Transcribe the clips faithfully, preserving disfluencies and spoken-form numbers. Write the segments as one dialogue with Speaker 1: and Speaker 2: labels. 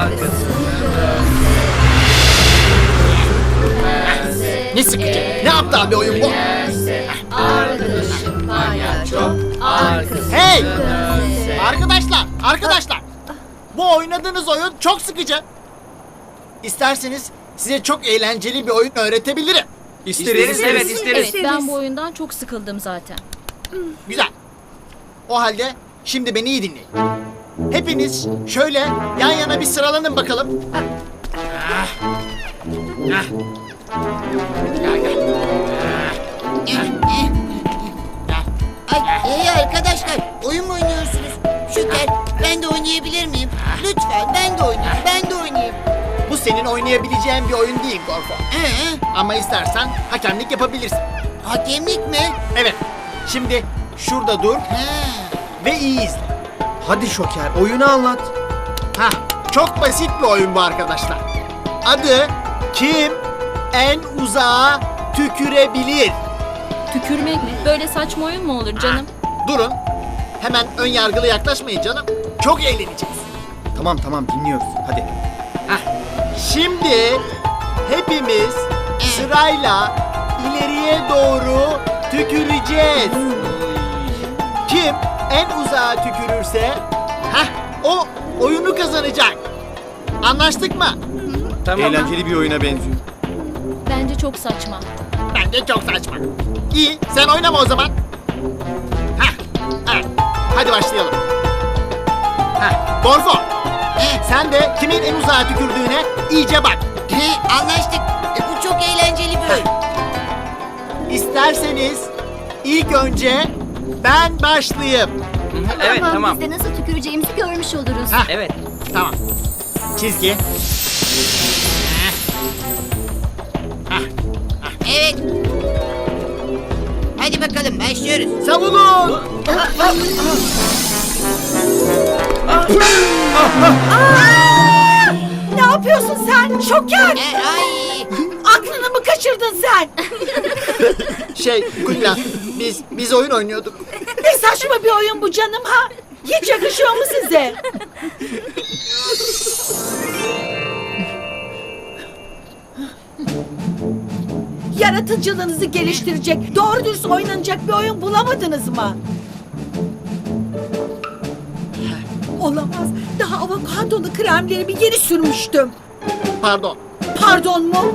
Speaker 1: Ne sıkıcı. Ne aptal bir oyun bu.
Speaker 2: Arkadaşım palyaço, arkadaşım.
Speaker 1: Hey! Arkadaşlar, arkadaşlar. Bu oynadığınız oyun çok sıkıcı. İsterseniz size çok eğlenceli bir oyun öğretebilirim.
Speaker 3: İsteriz, evet isteriz.
Speaker 2: Evet, ben bu oyundan çok sıkıldım zaten.
Speaker 1: Güzel. O halde şimdi beni iyi dinleyin. Hepiniz şöyle yan yana bir sıralanın bakalım. Ah. Ah. Gel, gel.
Speaker 4: Ay, hey arkadaşlar, oyun mu oynuyorsunuz? Şoker, ben de oynayabilir miyim? Lütfen, ben de oynayayım, ben de oynayayım.
Speaker 1: Bu senin oynayabileceğin bir oyun değil Gorfo.
Speaker 4: Ee,
Speaker 1: Ama istersen hakemlik yapabilirsin.
Speaker 4: hakemlik mi?
Speaker 1: Evet. Şimdi şurada dur
Speaker 4: Ha.
Speaker 1: ve iyi izle.
Speaker 3: Hadi Şoker, oyunu anlat.
Speaker 1: Hah, çok basit bir oyun bu arkadaşlar. Adı kim en uzağa tükürebilir?
Speaker 2: Tükürmek mi? Böyle saçma oyun mu olur canım?
Speaker 1: Durun. Hemen ön yargılı yaklaşmayın canım. Çok eğleneceğiz.
Speaker 3: Tamam tamam dinliyoruz, hadi.
Speaker 1: Hah. Şimdi hepimiz sırayla ileriye doğru tüküreceğiz. Kim en uzağa tükürürse hah, o oyunu kazanacak. Anlaştık mı?
Speaker 3: Eğlenceli bir oyuna benziyor.
Speaker 2: Bence çok saçma.
Speaker 1: Bence çok saçma. İyi, sen oynama o zaman. Hah, evet. Hadi başlayalım. Hah, Gorfo,
Speaker 4: He,
Speaker 1: sen de kimin en uzağa tükürdüğüne iyice bak.
Speaker 4: he, anlaştık. E, bu çok eğlenceli bir oyun.
Speaker 1: İsterseniz ilk önce ben başlayayım.
Speaker 5: Evet tamam.
Speaker 6: Biz de nasıl tüküreceğimizi görmüş oluruz.
Speaker 1: Hah,
Speaker 5: Evet.
Speaker 1: tamam. Çizgi.
Speaker 4: Evet. Hadi bakalım, başlıyoruz.
Speaker 1: Savunun.
Speaker 7: Ne yapıyorsun sen? Şoker!
Speaker 4: E, ay.
Speaker 7: Aklını mı kaçırdın sen?
Speaker 1: Şey, Kulina, biz biz oyun oynuyorduk.
Speaker 7: Ne saçma bir oyun bu canım ha? Hiç yakışıyor mu size? Yaratıcılığınızı geliştirecek, doğru dürüst oynanacak bir oyun bulamadınız mı? Olamaz. Daha avokadolu kremleri bir yeni sürmüştüm.
Speaker 1: Pardon.
Speaker 7: Pardon mu?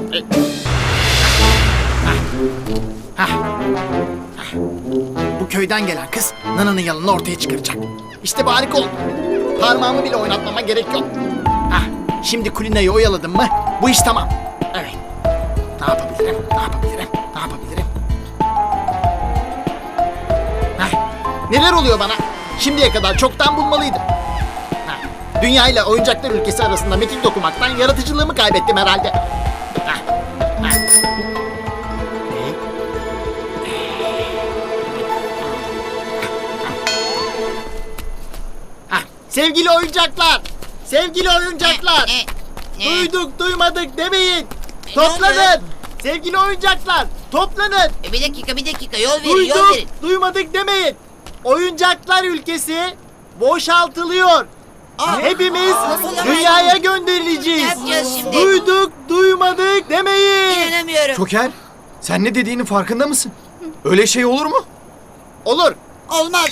Speaker 1: Bu köyden gelen kız Nana'nın yalanını ortaya çıkaracak. İşte bu harika oldu. Parmağımı bile oynatmama gerek yok. Hah, şimdi Kulina'yı oyaladım mı bu iş tamam. Evet. Ne yapabilirim? Ne yapabilirim? Ne yapabilirim? Hah, neler oluyor bana? Şimdiye kadar çoktan bulmalıydım. Hah, dünya ile oyuncaklar ülkesi arasında metin dokumaktan yaratıcılığımı kaybettim herhalde. Hah, hah. Hah, sevgili oyuncaklar, sevgili oyuncaklar,
Speaker 4: Ne? Ne?
Speaker 1: duyduk duymadık demeyin.
Speaker 4: E,
Speaker 1: Toplanın,
Speaker 4: ne oldu?
Speaker 1: sevgili oyuncaklar, toplanın.
Speaker 4: E, bir dakika, bir dakika, yol verin, yol
Speaker 1: Duyduk,
Speaker 4: verin.
Speaker 1: duymadık demeyin. Oyuncaklar ülkesi boşaltılıyor.
Speaker 4: Aa,
Speaker 1: Hepimiz
Speaker 4: nasıl olamaz?
Speaker 1: dünyaya
Speaker 4: Ne
Speaker 1: gönderileceğiz.
Speaker 4: yapacağız şimdi?
Speaker 1: Duyduk, duymadık demeyin.
Speaker 4: İnanamıyorum.
Speaker 3: Şoker, sen ne dediğinin farkında mısın? Öyle şey olur mu?
Speaker 1: Olur.
Speaker 4: Olmaz.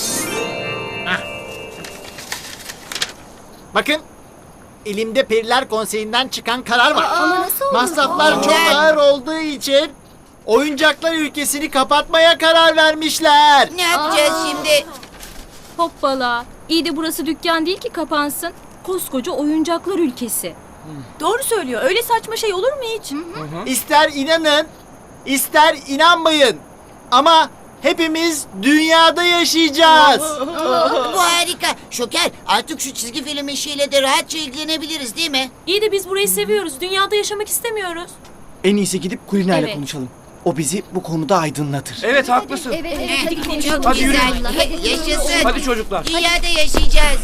Speaker 1: Bakın, elimde Periler Konseyi'nden çıkan karar var.
Speaker 6: Ama nasıl olur?
Speaker 1: Masraflar çok
Speaker 4: Neden?
Speaker 1: ağır olduğu için oyuncaklar ülkesini kapatmaya karar vermişler.
Speaker 4: Ne yapacağız şimdi?
Speaker 2: Hoppala. İyi de burası dükkan değil ki kapansın. Koskoca oyuncaklar ülkesi.
Speaker 7: Doğru söylüyor. Öyle saçma şey olur mu hiç?
Speaker 1: İster inanın, ister inanmayın. Ama hepimiz dünyada yaşayacağız.
Speaker 4: Bu harika. Şoker, artık şu çizgi film işiyle de rahatça ilgilenebiliriz değil mi?
Speaker 2: İyi de biz burayı seviyoruz. Dünyada yaşamak istemiyoruz.
Speaker 3: En iyisi gidip Kulina ile
Speaker 2: Evet.
Speaker 3: konuşalım. O bizi bu konuda aydınlatır.
Speaker 5: Evet haklısın.
Speaker 6: Evet, evet, hadi
Speaker 4: Çok
Speaker 6: konuşalım.
Speaker 5: Hadi yürü.
Speaker 4: güzel.
Speaker 6: Hadi.
Speaker 4: Yaşasın.
Speaker 5: Hadi çocuklar.
Speaker 4: Dünyada yaşayacağız.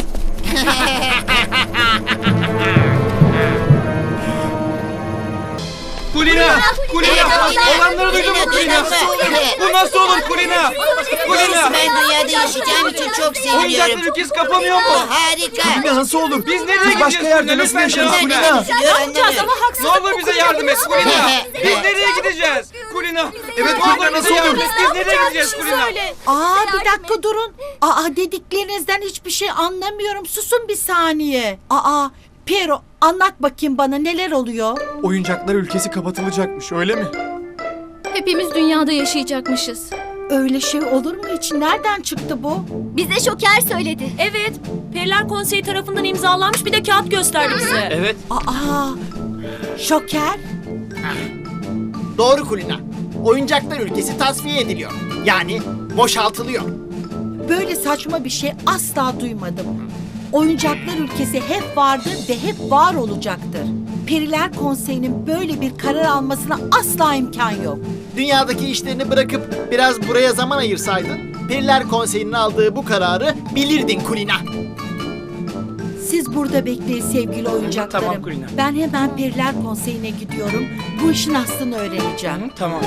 Speaker 5: Kulina! Kulina! Kulina! Olanları duydun mu Kulina? Bu nasıl olur Kulina? Kulina!
Speaker 4: Ben dünyada yaşayacağım için çok seviniyorum.
Speaker 5: Oyuncaklar ülkesi kapanıyor mu?
Speaker 4: Harika.
Speaker 3: Kulina nasıl olur?
Speaker 5: Biz nereye
Speaker 3: Biz
Speaker 5: gideceğiz
Speaker 3: başka yerde
Speaker 5: Kulina?
Speaker 3: nasıl
Speaker 5: Lütfen
Speaker 3: yaşarız
Speaker 5: cevap
Speaker 3: Kulina?
Speaker 5: ver.
Speaker 4: Ne yapacağız ama
Speaker 5: Ne olur bize yardım et Kulina. Biz nereye gideceğiz? Kulina.
Speaker 3: Evet
Speaker 5: Ne
Speaker 3: Kulina
Speaker 5: olur
Speaker 3: nasıl
Speaker 5: bize yardım
Speaker 3: olur?
Speaker 5: et. Biz nereye gideceğiz Kulina?
Speaker 7: Aa bir dakika durun. Aa dediklerinizden hiçbir şey anlamıyorum. Susun bir saniye. Aa Piero anlat bakayım bana neler oluyor?
Speaker 3: Oyuncaklar ülkesi kapatılacakmış öyle mi?
Speaker 2: Hepimiz dünyada yaşayacakmışız.
Speaker 7: Öyle şey olur mu hiç? Nereden çıktı bu?
Speaker 6: Bize Şoker söyledi.
Speaker 8: Evet, Periler Konseyi tarafından imzalanmış bir de kağıt gösterdi bize.
Speaker 5: Evet.
Speaker 7: Aa Şoker.
Speaker 1: Doğru Kulina. Oyuncaklar ülkesi tasfiye ediliyor. Yani boşaltılıyor.
Speaker 7: Böyle saçma bir şey asla duymadım. Oyuncaklar ülkesi hep vardır ve hep var olacaktır. Periler Konseyi'nin böyle bir karar almasına asla imkan yok.
Speaker 1: Dünyadaki işlerini bırakıp biraz buraya zaman ayırsaydın, Periler Konseyi'nin aldığı bu kararı bilirdin Kulina.
Speaker 7: Siz burada bekleyin sevgili oyuncaklarım.
Speaker 5: Tamam Kulina.
Speaker 7: Ben hemen Periler Konseyi'ne gidiyorum. Bu işin aslını öğreneceğim.
Speaker 5: Tamam.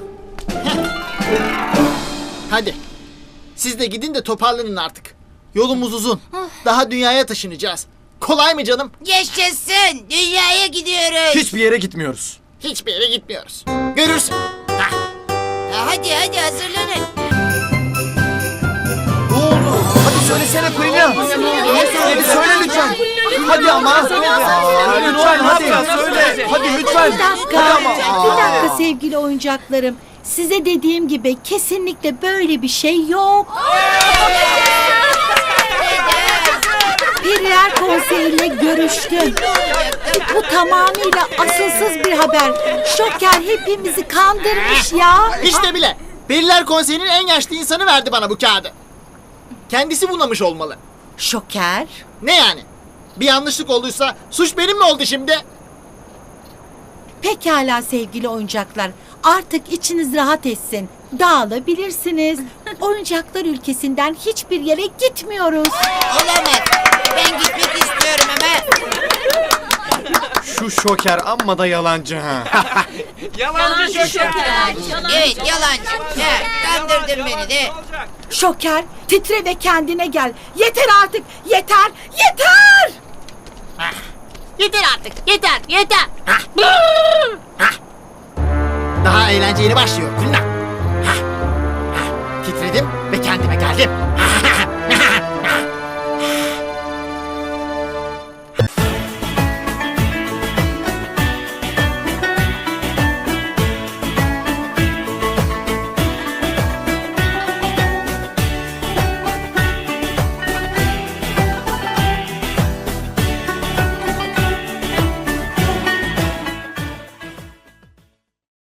Speaker 1: Hadi. Siz de gidin de toparlanın artık. Yolumuz uzun. Daha dünyaya taşınacağız. Kolay mı canım?
Speaker 4: Yaşasın. Dünyaya gidiyoruz.
Speaker 3: Hiçbir yere gitmiyoruz.
Speaker 1: Hiçbir yere gitmiyoruz. Görürsün. Hah.
Speaker 4: Ha, Hadi hadi hazırlanın.
Speaker 3: Ne oldu? Hadi söylesene Kulina. Hadi söyle lütfen. Hadi ama. Aa, lütfen hadi söyle. Hadi lütfen.
Speaker 7: Bir dakika.
Speaker 3: Hadi ama.
Speaker 7: Bir dakika sevgili oyuncaklarım. Size dediğim gibi kesinlikle böyle bir şey yok. Periler Konseyi'yle görüştüm. Bu tamamıyla asılsız bir haber. Şoker hepimizi kandırmış ya.
Speaker 1: İşte bile. Periler Konseyi'nin en yaşlı insanı verdi bana bu kağıdı. Kendisi bunamış olmalı.
Speaker 7: Şoker.
Speaker 1: Ne yani? Bir yanlışlık olduysa suç benim mi oldu şimdi?
Speaker 7: Pekala sevgili oyuncaklar. Artık içiniz rahat etsin. Dağılabilirsiniz. Oyuncaklar ülkesinden hiçbir yere gitmiyoruz.
Speaker 4: Olamaz. Ben gitmek istiyorum ama.
Speaker 3: Şu Şoker amma da yalancı ha.
Speaker 5: Yalancı şoker.
Speaker 4: Evet yalancı. Ha, kandırdın beni de.
Speaker 7: Şoker, titre ve kendine gel. Yeter artık, yeter, yeter!
Speaker 1: Yeter artık. Yeter. Yeter. Daha eğlence yeni başlıyor. Kulina.